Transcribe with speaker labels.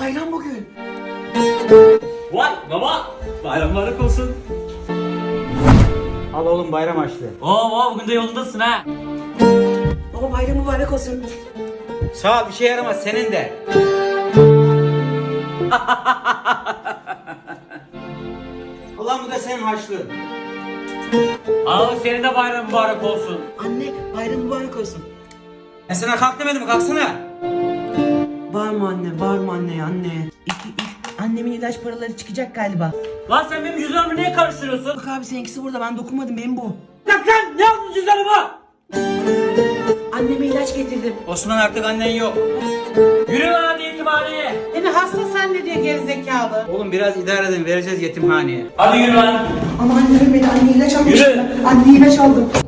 Speaker 1: bayram bugün.
Speaker 2: Vay baba, bayram mübarek olsun.
Speaker 3: Al oğlum bayram açlığı.
Speaker 2: Oo bugün de yolundasın ha.
Speaker 1: Baba bayram mübarek olsun.
Speaker 3: Sağ ol, bir şey yaramaz senin de. Ulan bu da senin harçlığın.
Speaker 2: Al senin de bayram mübarek olsun.
Speaker 1: Anne bayram mübarek olsun.
Speaker 3: Ben sana kalk demedim mi? Kalksana.
Speaker 1: Bağırma anne, bağırma anne, anne. Annemin ilaç paraları çıkacak galiba.
Speaker 2: Lan sen benim cüzdanımı niye karıştırıyorsun?
Speaker 1: Bak abi seninkisi burada, ben dokunmadım, benim bu.
Speaker 2: Lan ne yaptın cüzdanıma?
Speaker 1: Anneme ilaç getirdim.
Speaker 3: Osman artık annen yok.
Speaker 2: Yürü lan hadi yetimhaneye.
Speaker 4: Beni hasta zannediyor gerizekalı.
Speaker 3: Oğlum biraz idare edin, vereceğiz yetimhaneye.
Speaker 2: Hadi yürü lan.
Speaker 1: Ama anne ölmedi, anne ilaç almış.
Speaker 2: Yürü.
Speaker 1: Anne ilaç aldım.